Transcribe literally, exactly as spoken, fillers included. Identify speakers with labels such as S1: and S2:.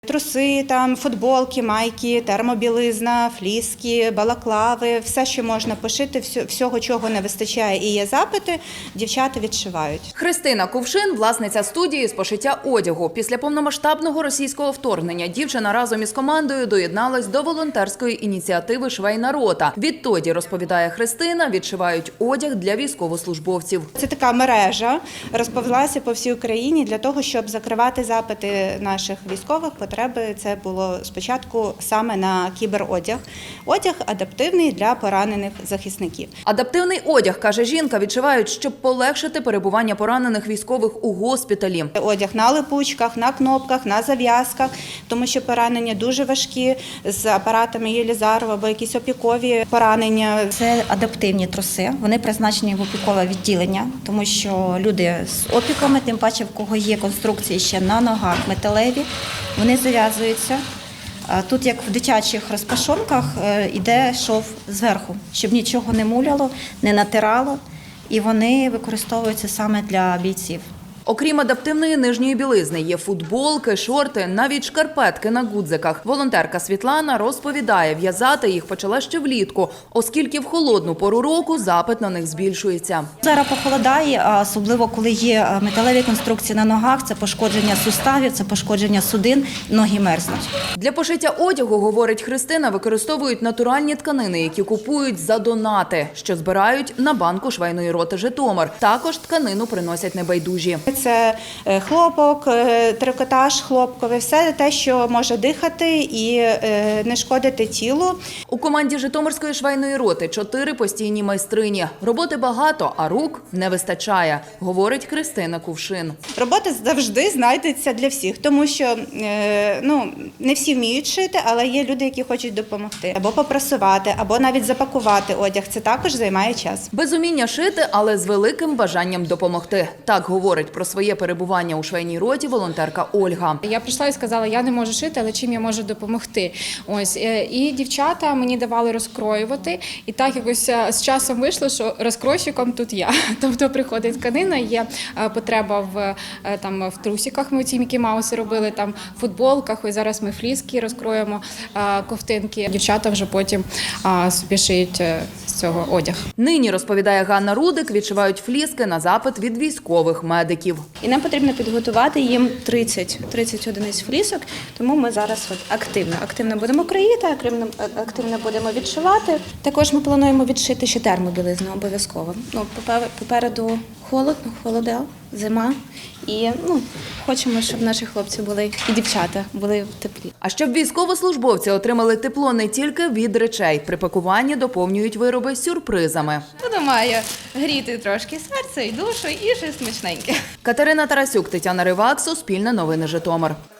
S1: Труси, там, футболки, майки, термобілизна, фліски, балаклави, все, що можна пошити, всього, чого не вистачає і є запити, дівчата відшивають.
S2: Христина Кувшин – власниця студії з пошиття одягу. Після повномасштабного російського вторгнення дівчина разом із командою доєдналась до волонтерської ініціативи «Швейна рота». Відтоді, розповідає Христина, відшивають одяг для військовослужбовців.
S1: Це така мережа, розповзлася по всій Україні для того, щоб закривати запити наших військових. Потреби це було спочатку саме на кіберодяг. Одяг адаптивний для поранених захисників.
S2: Адаптивний одяг, каже жінка, відшивають, щоб полегшити перебування поранених військових у госпіталі.
S1: Одяг на липучках, на кнопках, на зав'язках, тому що поранення дуже важкі, з апаратами Єлізарова або якісь опікові поранення.
S3: Це адаптивні труси, вони призначені в опікове відділення, тому що люди з опіками, тим паче в кого є конструкції ще на ногах металеві, вони зав'язуються. Тут, як в дитячих розпашонках, йде шов зверху, щоб нічого не муляло, не натирало, і вони використовуються саме для бійців.
S2: Окрім адаптивної нижньої білизни, є футболки, шорти, навіть шкарпетки на гудзиках. Волонтерка Світлана розповідає, в'язати їх почала ще влітку, оскільки в холодну пору року запит на них збільшується.
S3: Зараз похолодає, а особливо коли є металеві конструкції на ногах, це пошкодження суставів, це пошкодження судин, ноги мерзнуть.
S2: Для пошиття одягу, говорить Христина, використовують натуральні тканини, які купують за донати, що збирають на банку швейної роти «Житомир». Також тканину приносять небайдужі.
S1: Це хлопок, трикотаж хлопковий, все те, що може дихати і не шкодити тілу.
S2: У команді Житомирської швейної роти чотири постійні майстрині. Роботи багато, а рук не вистачає, говорить Христина Кувшин.
S1: Робота завжди знайдеться для всіх, тому що ну, не всі вміють шити, але є люди, які хочуть допомогти. Або попрасувати, або навіть запакувати одяг. Це також займає час.
S2: Без уміння шити, але з великим бажанням допомогти. Так говорить про своє перебування у швейній роті волонтерка Ольга.
S4: Я прийшла і сказала, я не можу шити, але чим я можу допомогти. Ось і дівчата мені давали розкроювати, і так якось з часом вийшло, що розкройщиком тут я. Тобто приходить тканина, є потреба в там в трусиках. Ми ці Мікі Мауси робили, там в футболках. Ось зараз ми фліски розкроємо, ковтинки. Дівчата вже потім собі шиють з цього одяг.
S2: Нині, розповідає Ганна Рудик, відшивають фліски на запит від військових медиків.
S5: І нам потрібно підготувати їм тридцять, тридцять одиниць флісок, тому ми зараз от активно, активно будемо кроїти, активно, активно будемо відшивати. Також ми плануємо відшити ще термобілизну обов'язково. Ну, попереду холодно, холода, зима і ну, хочемо, щоб наші хлопці були і дівчата були в теплі.
S2: А щоб військовослужбовці отримали тепло не тільки від речей, при пакуванні доповнюють вироби сюрпризами.
S6: Воно має гріти трошки серце і душу, і щось смачненьке.
S2: Катерина Тарасюк, Тетяна Ривак, Суспільне новини Житомир.